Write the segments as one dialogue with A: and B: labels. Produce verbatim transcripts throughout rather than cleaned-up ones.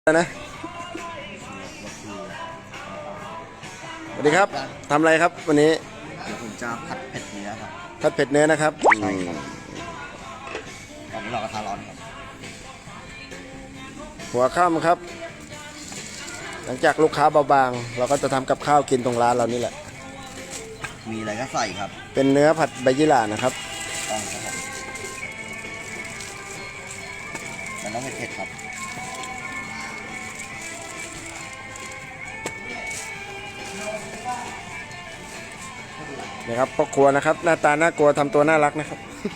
A: นะสวัสดีครับทำอะไรครับวันนี้
B: เดี๋ยวผมจะผัดเผ็ดเนื้อครับ
A: ผัดเผ็ดเนื้อนะครับ
B: ใช่ครับตอนนี้เรากระทะร้อนครับ
A: หัวค่ำครับหลังจากลูกค้าเบาบางเราก็จะทำกับข้าวกินตรงร้านเรานี่แหละ
B: มีอะไรก็ใส่ครับ
A: เป็นเนื้อผัดใบยี่หร่านะครับ
B: ต้องครับมันต้องเผ็ดครับ
A: นี่ครับพ่อครัวนะครับหน้าตาน่ากลัวทำตัวน่ารักนะครับ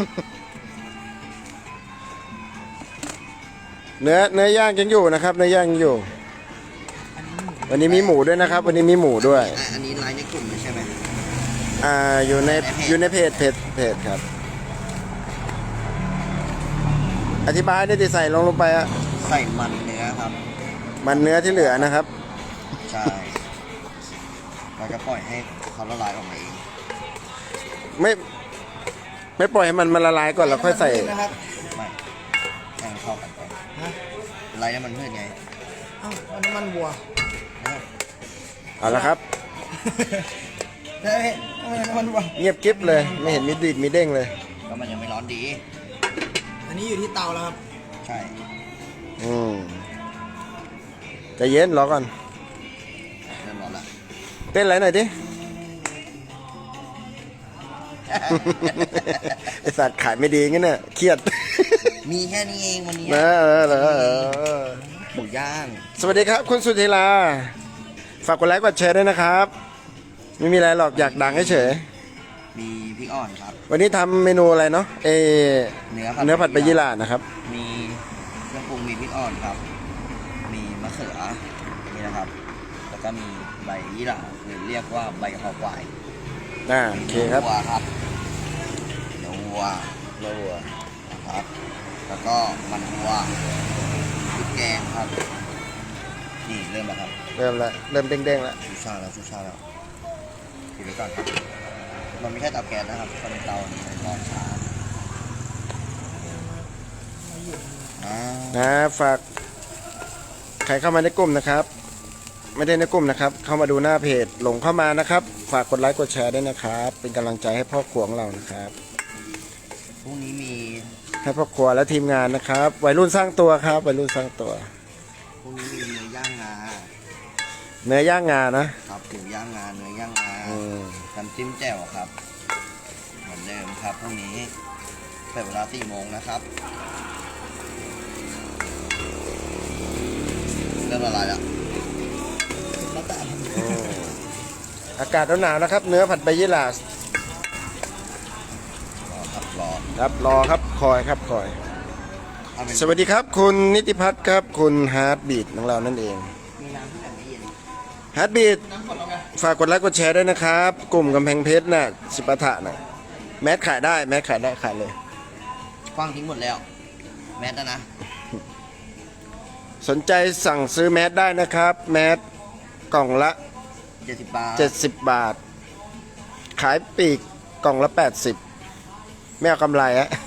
A: เนื้อเนื้อย่างยังอยู่นะครับเนื้อย่างยังอยู่วันนี้มีหมูด้วยนะครับวันนี้มีหมูด้วย
B: อันนี้ไลน์ในกลุ่มใช่ไหม
A: อ่าอยู่ในอยู่ในเพจเพจเพจครับอธิบายได้ดิใส่ลงลงไปอะ
B: ใส่มันเนื้อครับ
A: มันเนื้อที่เหลือนะครับ
B: ใช่เราจะปล่อยให้เขาละลายออกมาเอง
A: ไม่ไม่ปล่อยให้มันมันละลายก่อนแล้วค่อยใส่
B: นะครับไม่ให้มันเข้ากันไปอะไรนี่มันเพื่อนไง
C: อ้าวน้ำมันวัว
A: เอาละครับ
C: เฮ้ยน้ำมันวัว
A: เงียบกิ๊บเลยไม่เห็นมีดีดมีเด้งเลย
B: ก็มันยังไม่ร้อนดี
C: อันนี้อยู่ที่เตาแล้วครับ
B: ใช่
A: อืมใจเย็นรอก่อน
B: เริ่มร้อนละ
A: เต้นอะไรหน่อยดิไอสัตว์ขายไม่ดีงั้นน่ะเครียด
B: มีแค่นี้เองวันนี้
A: เออเออเออ
B: หมูย่าง
A: สวัสดีครับคุณสุธีลาฝากกดไลค์กดแชร์ด้วยนะครับไม่มีอะไรหรอกอยากดังเฉย
B: มีพริกอ่อนครับ
A: วันนี้ทำเมนูอะไรเนาะเอ
B: เนื้อ
A: เนื้อผัดใบยี่หร่านะครับ
B: มีเครื่องปรุงมีพริกอ่อนครับมีมะเขือนี่นะครับแล้วก็มีใบยี่หร่าหรือเรียกว่าใบกะเพราควาย
A: อ่าโอเคครับ
B: วัวครับเนื้อวัว
A: เนื้อวัว
B: ครับแล้วก็มันวัวพริกแกงครับนี่เริ่มแล้วครับ
A: เริ่มแล้วเริ่มเด้งๆแล้ว
B: ชูชาแล้วชูชาแล้วปิดไว้ก่อนครับมันไม่ใช่เตาแก๊สนะครับเป็นเตาร้อนช้า
A: นะฝากใครเข้ามาในกลุ่มนะครับไม่ได้ในกลุ่มนะครับเข้ามาดูหน้าเพจหลงเข้ามานะครับฝากกดไลค์กดแชร์ด้วยนะครับเป็นกำลังใจให้พ่อครัวของเรานะครับ
B: พรุ่งนี้มี
A: ให้พ่อครัวและทีมงานนะครับวัยรุ่นสร้างตัวครับวัยรุ่นสร้างตัว
B: พรุ่งนี้มีเนื้อย่างงา
A: เนื้อย่างงานะครับ
B: หมูย่างงาเนื้อย่างงาน้ำจิ้มแจ่วครับเหมือนเดิมครับพรุ่งนี้เปิดเวลาสี่โมงนะครับเริ่มละลายแล้ว
A: อากาศหนาวนะครับเนื้อผัดใบยี่หร่าร
B: อครับรอ
A: ครับรอครับคอยครับคอยสวัสดีครับคุณนิติพัฒน์ครับคุณฮาร์ดบีทของเรานั่นเองฮาร์ดบีทฝากกดไลค์กดแชร์ด้วยนะครับกลุ่มกำแพงเพชรน่ะสิปะทะน่ะแมสขายได้แมสขายได้ขายเลย
B: คว้างทิ้งหมดแล้วแมสนะ
A: สนใจสั่งซื้อแมสได้นะครับแมสกล่องละ
B: เจ็ดสิบบาท
A: เจ็ดสิบบาทขายปีกกล่องละแปดสิบไม่เอากำไรฮะ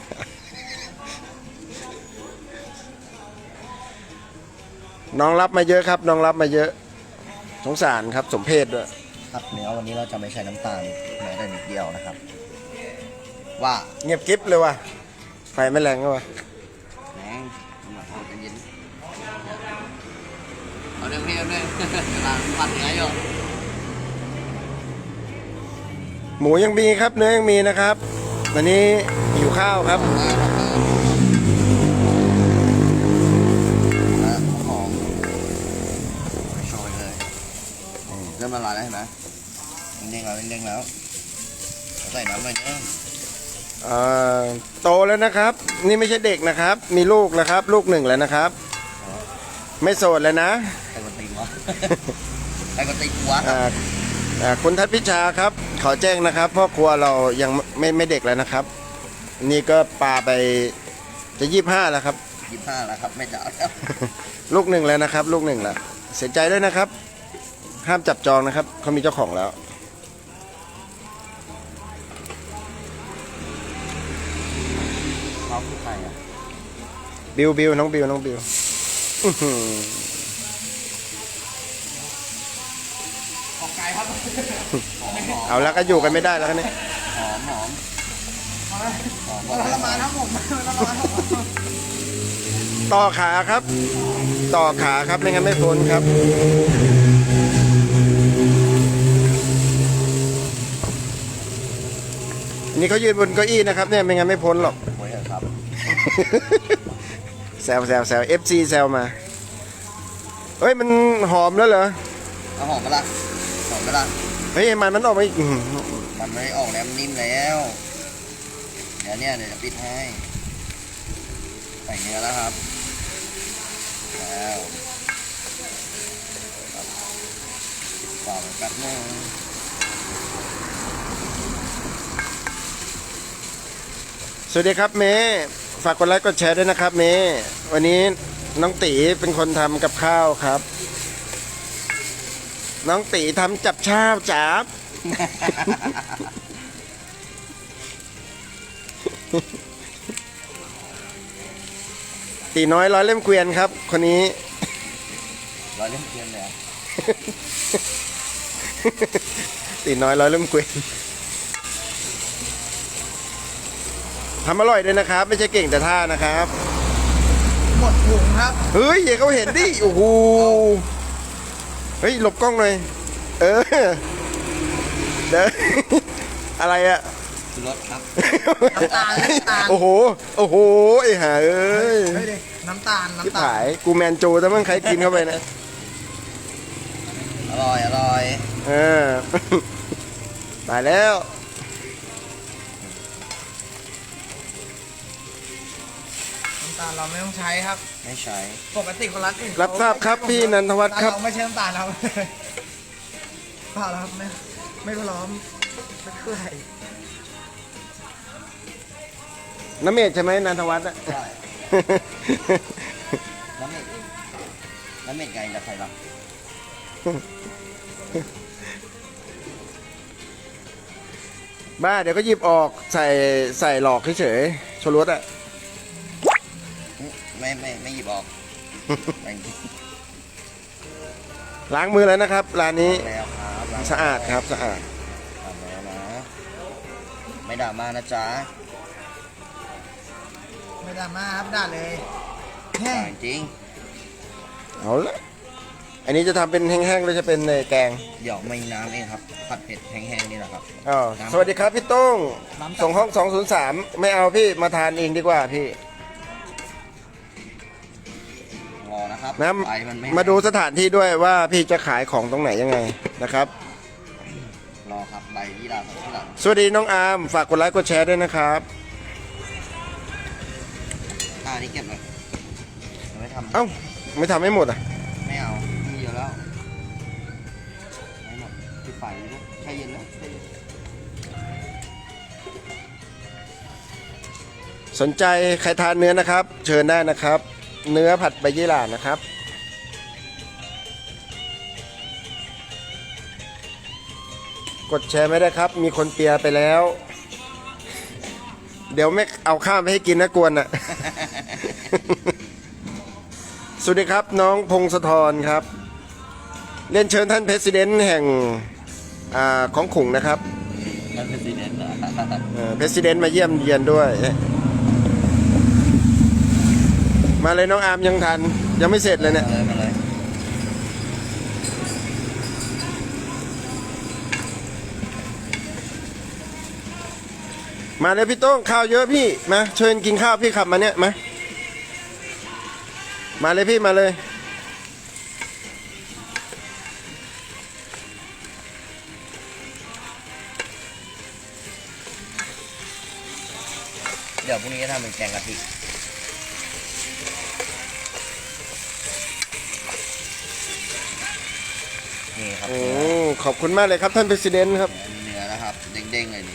A: น้องรับมาเยอะครับน้องรับมาเยอะสงสารครับสมเพศด้วย
B: ครับเนื้อวันนี้เราจะไม่ใช้น้ำตาลแม้แต่นิดเดียวนะครับว่า
A: เงียบกิ๊บเลยว่ะไฟไม่แรงก็ว่ะ
B: แรงมาเอาเย็นเอาเรื่องนี้เอาเรื่องกำลังปั่นเนื้ออยู่
A: หมูยังมีครับเนื้อยังมีนะครับวันนี้หิวข้าวครับ
B: หอมโชยเลยเริ่มละลายแล้วเห็นไหมเด้งแล้วเด้งแล้วใส่น้ำหน่อยเยอะ
A: โตแล้วนะครับนี่ไม่ใช่เด็กนะครับมีลูกแล้วครับลูกหนึ่งแล้วนะครับไม่โสดเลยนะ
B: ใครกดตีนวะใครกดตีนวะ
A: คุณทัศพิชาครับขอแจ้งนะครับพ่อครัวเรายังไม่ไม่เด็กแล้วนะครับนี่ก็ปลาไปจะยี่สิบห้าแล้วครับ
B: ยี่สิบห้าแล้วครับไม่จ่ายแล้ว
A: ลูกหนึ่งแล้วนะครับลูกหนึ่งแล้วเสียใจด้วยนะครับห้ามจับจองนะครับเขามีเจ้าของแล้ว
B: เขาคือใครอ่ะ
A: บิวบิวน้องบิวน้องบิว
C: ครับ
A: เอาแล้วก็อยู่กันไม่ได้แล้วกันเนี่ย
B: หอมหอมหอม
C: มันทรมานทั้งผมมันทรมานทั้งผม
A: ต่อขาครับ ต่อขาครับไม่งั้นไม่พ้นครับ อันนี้เขายืนบนเก้าอี้นะครับเนี่ยไม่งั้นไม่พ้นหรอก
B: โอ้ยครับ
A: แซวแซวแซวเอฟซีแซวมา เฮ้ยมันหอมแล้วเหรอ
B: เอาหอมปะล่ะหอมปะล่ะ
A: เฮ้ยมันมันออกมาอีกอื้อหือ
B: มันไม่ออกแล้วมันนิ่มแล้วเดี๋ยวเนี่ยเดี๋ยวจะปิดให้ใส่เนื้อแล้วครับแล้วต่อไปแป๊บนึง
A: สวัสดีครับเมย์ฝากกดไลค์กดแชร์ด้วยนะครับเมย์วันนี้น้องตีเป็นคนทำกับข้าวครับ น้องตีทำจับช่าวจับ ตีน้อยร้อยเล่มเกวียนครับ คนนี้
B: ร้อยเล่มเทียนเลยอะ
A: ตีน้อยร้อยเล่มเกวียนทำอร่อยด้วยนะครับ ไม่ใช่เก่งแต่ท่านะครับ
C: หมดถุงครับ
A: เฮ้ยอย่าเขาเห็นดิโอ้โหเฮ้ยหลบกล้องหน่อยเออเด้อ อะไรอะ
B: รสครับ
C: น้ำตาลน้ำตาล
A: โอ้โหโอ้โหไอ้ห่าเอ้ย
C: เฮ้ยดิน้ำตาล
A: ที่
C: น้ำตา
A: ผา
C: ล
A: ยกูแมนโจแต่มั่งใครกินเข้าไปนะ
B: อร่อยอร่อย
A: เออ ตายแล้ว
C: น้ำตาลเราไม่ต้องใช้ครับ
B: ไม่ใช้
C: ปกติคนรัดอื่น
A: รับทราบครับพี่นันทวัฒน์ครับ
C: เราไม่ใช่น้ำตาลครับ เปล่าแล้วครับไม่ไม่พร้อมไม่เท่าไหร่
A: น้ำเมธใช่ไหมนันทวัฒน์อะ
B: ใช่ น้ำเม็ดน้ำเม็ดไงจะใส่บ้าง
A: บ้าเดี๋ยวก็หยิบออกใส่ใส่หลอกเฉยๆโชรสอะ
B: ไม่ไม่ไม่หยิบออกแบ่ง
A: ล้างมือแล้วนะครับร้านนี้
B: แล้วครับล้ง
A: สะอาดครับสะอาด
B: ทำแล้วนะไม่ด่ามานะจ๊ะ
C: ไม่ดราม่าครับด่าเลยแห้ง
B: จริง
A: เอาละอันนี้จะทำเป็นแห้งๆหรือจะเป็นในแกง
B: เดี๋ยวไม่น้ำเองครับผัดเผ็ดแห้งๆนี่แหละครับ
A: อ๋อสวัสดีครับพี่โต้งส่งห้องสองศูนย์สามไม่เอาพี่มาทานเองดีกว่าพี่
B: รอนะครับ
A: นะ
B: ไฟมันไม่
A: มาดูสถานที่ด้วยว่าพี่จะขายของตรงไหนยังไงนะครับ
B: รอครับใบยี่ราของที่หลัง
A: สวัสดีน้องอาร์มฝากกดไลค์กดแชร์ด้วยนะครับ
B: อ่านี่เก็บเลยยังไม่ทำ
A: เอ้าไม่ทำให้หมดอ่ะ
B: ไม่เอามีเยอะแล้วไม่หมดปิดไฟเลยด้วยแช่เย็นแล้วแช่เย็น
A: สนใจใครทานเนื้อนะครับ เชิญได้นะครับ เนื้อผัดใบยี่หร่านะครับ กดแชร์ไม่ได้ครับ มีคนเปียร์ไปแล้ว เดี๋ยวไม่เอาข้าวไปให้กินนะกวนอ่ะ สวัสดีครับน้องพงศธรครับ เรียนเชิญท่านเพรสิดเนนต์แห่งอาของขุงนะครับ
B: นั่นเป็นสีเด่นเหรอ
A: เพรสิดเนนต์มาเยี่ยมเยียนด้วย มาเลยน้องอาร์มยังทัน ยังไม่เสร็จเลยเนี่ย
B: เลยมาเลย
A: มาเลยพี่โต้งข้าวเยอะพี่มาเชิญกินข้าวพี่ขับมาเนี่ยมามาเลยพี่มาเลย
B: เดี๋ยวพรุ่งนี้จะทำเป็นแกงกะทินี่ครับ
A: โอ้ขอบคุณมากเลยครับท่านเพรสิดเนนต์ครับ
B: เนื้อนะครับเด้งๆเลยนี่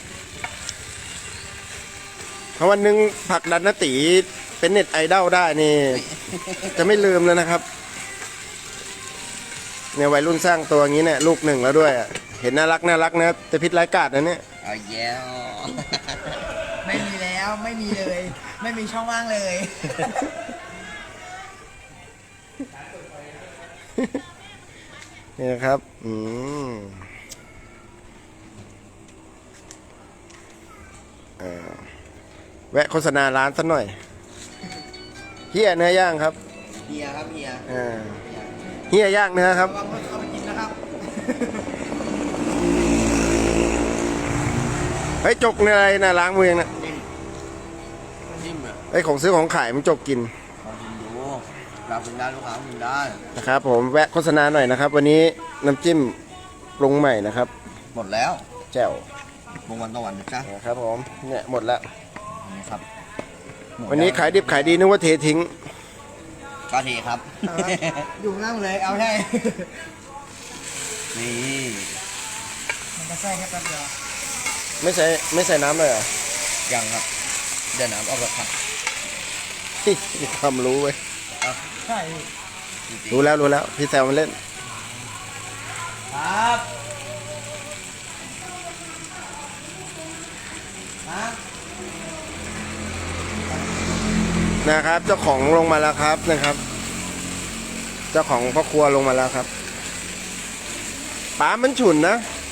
A: ถ้าวันหนึ่งผลักดันนตีเป็นเน็ตไอดอลได้นี่ จะไม่ลืมแล้วนะครับเนี่ยวัยรุ่นสร้างตัวอย่างนี้เนี่ยลูกหนึ่งแล้วด้วยอะเห็นน่ารักน่ารักนะแต่พิษร้ายกาจนะเนี่ย
B: เอาแย้ว
C: ไม่มีแล้วไม่มีเลย ไม่มีช่องว่างเลย
A: นี่นะครับอืมเออแวะโฆษณาร้านสักหน่อยเฮียเนื้อย่างครับ
B: เฮียครับเฮีย
A: เออเฮียย่างเนื้อครับ
C: ระวังคนเอาไปกินนะครับ
A: เฮ้ยจกในอะไรนะล้างมือยังนะ
B: จิ้มจิ้มอ่ะ
A: ไอ้ยของซื้อของขายมันจกกิน
B: ลองชิมดูเรากินได้ลูกค้ากินได้
A: นะครับผมแวะโฆษณาหน่อยนะครับ วันนี้น้ำจิ้มปรุงใหม่นะครับ
B: หมดแล้ว
A: แจ่ว
B: วงวันต่อวันนะจ๊ะ
A: นะครับผมเนี่ยหมดแล้ว
B: นี่ครับหมด
A: วันนี้ขายดิบขายดีนึกว่าเททิ้ง
B: ก็ทีครับ
C: เอาครับอยู่ข้างล่างเลยเอาให้
B: นี่
C: มันจะแทรกแค่แป๊บเดียว
A: ไม่ใส่ไม่ใส่น้ำเลยเหรอ
B: ยังครับเดี๋ยวน้ำออกแล้วครับ
A: มีความรู้เว้ย
C: ใช่
A: รู้แล้วรู้แล้วพี่แซวมันเล่น
C: ครับครับ
A: นะครับ เจ้าของลงมาแล้วครับนะครับ เจ้าของพ่อครัวลงมาแล้วครับป๋ามันฉุนนะ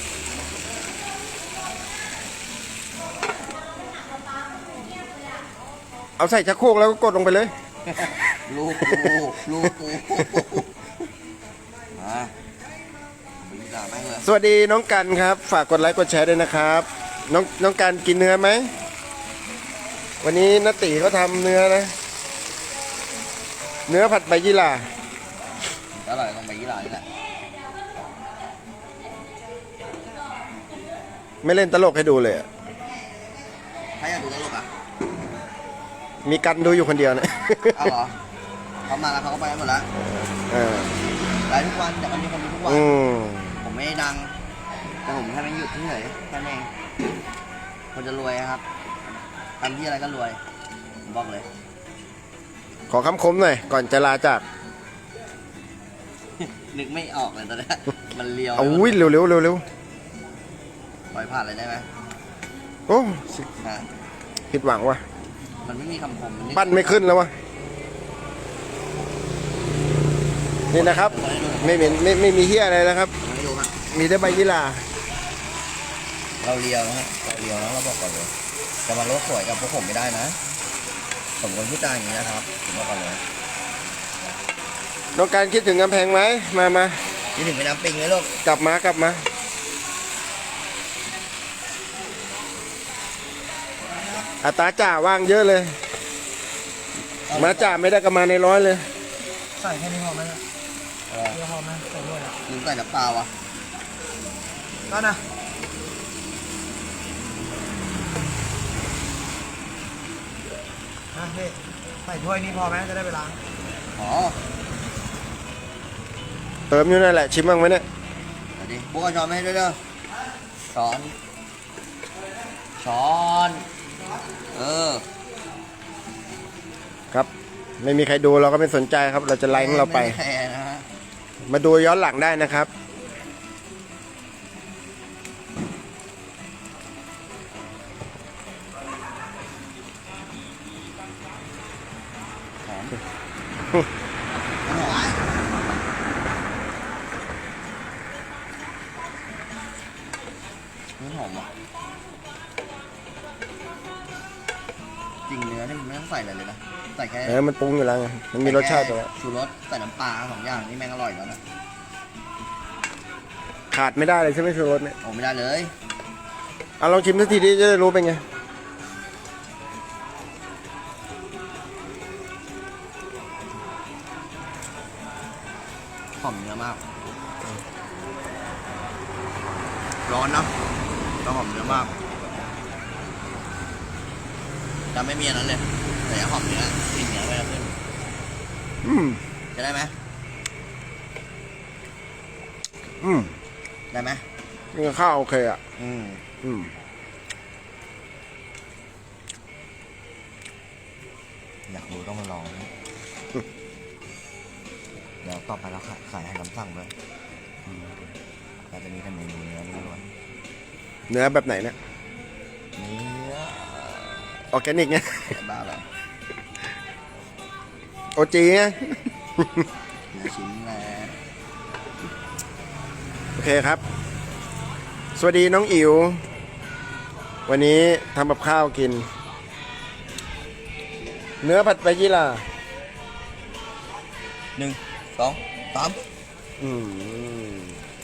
A: เอาใส่ชักโครกแล้วก็กดลงไปเลย
B: ลูกกูลูกกูมาบินด่าแม่งเลย
A: สวัสดีน้องกันครับ ฝากกดไลค์กดแชร์ด้วยนะครับน้องน้องกันกินเนื้อไหมวันนี้นติเขาทำเนื้อนะ เนื้อผัดใบยี่หร่า
B: อร่อยตรงใบยี่หร่านี่แหละ
A: ไม่เล่นตลกให้ดูเลยอะ
B: ใครอยากดูตลกอ่ะ
A: มีกันดูอยู่คนเดียวนะ
B: เอาเหรอเขามาแล้วเขาก็ไปกันหมดแล้ว
A: เออ
B: ไลฟ์ทุกวันแต่ก็มีคนดูทุกวัน
A: อืม
B: ผมไม่ได้ดัง แต่ผมแค่ไม่หยุดเฉยๆแค่นั้นเองคนจะรวยครับทำที่อะไรก็รวยผมบอกเลย
A: ขอคำคมหน่อยก่อนจะลาจาก
B: นึกไม่ออกเลยตอนนี้มันเลียว
A: เอาวิ่งเร็วเร็วเร็วเร็ว
B: ปล่อยผ่านเลยได้ไหม
A: โอ้
B: ฮะ
A: ผิดหวังว่ะ
B: มันไม่มีคำคมมันนึก
A: ปั้นไม่ขึ้นแล้ววะนี่นะครับ ไม่เหม็นไม่ไม่มีเฮียอะไรนะครับ
B: ไม่ดูครับ
A: มีแต่ใบยี่หร่า
B: เราเลียวนะฮะเราเลียวนะเราบอกก่อนเลยจะมาโลกสวยกับพวกผมไม่ได้นะผมคนพูดจาอย่างนี้นะครับผมบอกก่อนเลย
A: น้องการคิดถึงกำแพงไหมมามา
B: นี่ถึงแม่น้ำปิงเลยลูก
A: กลับมากลับมาอัตราจ่าว่างเยอะเลย มาจ่าไม่ได้ก็มาในร้อยเลย
C: ใส่แค่นี้พอไหมล่ะ
B: เออ
C: เดียวพอไหมใส่ด้วยอ่ะ
B: ลืมใส่น้ำเปล่าอ่ะ
C: ก็นะฮะเฮ้ยใส่ถ้วยนี้พอไหมจะได้ไปล้าง
B: อ๋อ
A: เติมอยู่นั่นแหละชิมบ้างไหมเนี่ย
B: เดี๋ยวดิพวกเอาช้อนมาให้ด้วยเด้อช้อน ช้อน เออ
A: ครับ ไม่มีใครดูเราก็ไม่สนใจครับ เราจะไลฟ์ของเราไป
B: ม่แคร์นะฮะ
A: มาดูย้อนหลังได้นะครับ
B: หอมมันหอมอ่ะจริงเนื้อนี่มันไม่ต้องใส่อะไรเลยนะ ใส่แค่
A: เออมันปรุงอยู่แล้วไงมันมีรสชาติตัวแล้ว
B: ชูรสใส่น้ำปลาสองอย่างนี่แม่งอร่อยแล้วนะ
A: ขาดไม่ได้เลยใช่ไหมชูรสเนี่ย
B: โอ้ไม่ได้เลย
A: เอาลองชิมสักทีดิจะได้รู้เป็นไง
B: หอมเนื้อมาก ร้อนเนอะแล้วหอมเนื้อมากจะไม่มีอันนั้นเลยแต่หอมเนื้อกลิ่นเนื้อไปแล้วขึ้น
A: อืม
B: จะได้ไหม
A: อืม
B: ได้ไหม
A: นี่ก็ข้าวโอเคอ่ะ
B: อืม
A: อืม
B: อยากรู้ต้องมาลองนะเดี๋ยวต่อไปเราขายให้น้ำสั่งด้วยอืมเราจะมีแต่เมนูเนื้อล้วน
A: เนื้อแบบไหนเนี่ย
B: เนื้อ
A: ออร์แกนิกไง
B: บ้าเหรอ
A: โอจีไง
B: เนื้อชิ้นแหละ
A: โอเคครับ สวัสดีน้องอิ๋ววันนี้ทำกับข้าวกิน เนื้อผัดไปยี่ล่ะ
B: หนึ่งสองสาม
A: อืม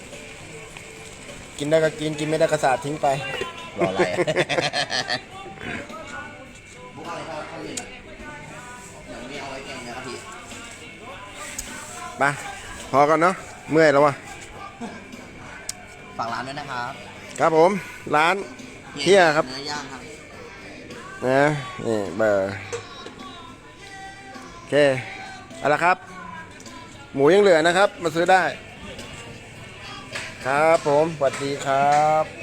A: กินได้ก็กิน กินไม่ได้ก็สาดทิ้งไป
B: รออะไรอะบุกอะไรเข้าเข้าเย็นอ่ะเดี๋ยวนี้เอาไว้แกงนะครับพี่
A: ไปพอกันเนาะเมื่อยแล้ววะ
B: ฝากร้านด้วยนะครับ
A: ครับผมร้านเฮียครับ
B: เนื้อย่างครับ
A: นะนี่เบอร์โอเคเอาละครับ หมูยังเหลือนะครับ มาซื้อได้ ครับผมสวัสดีครับ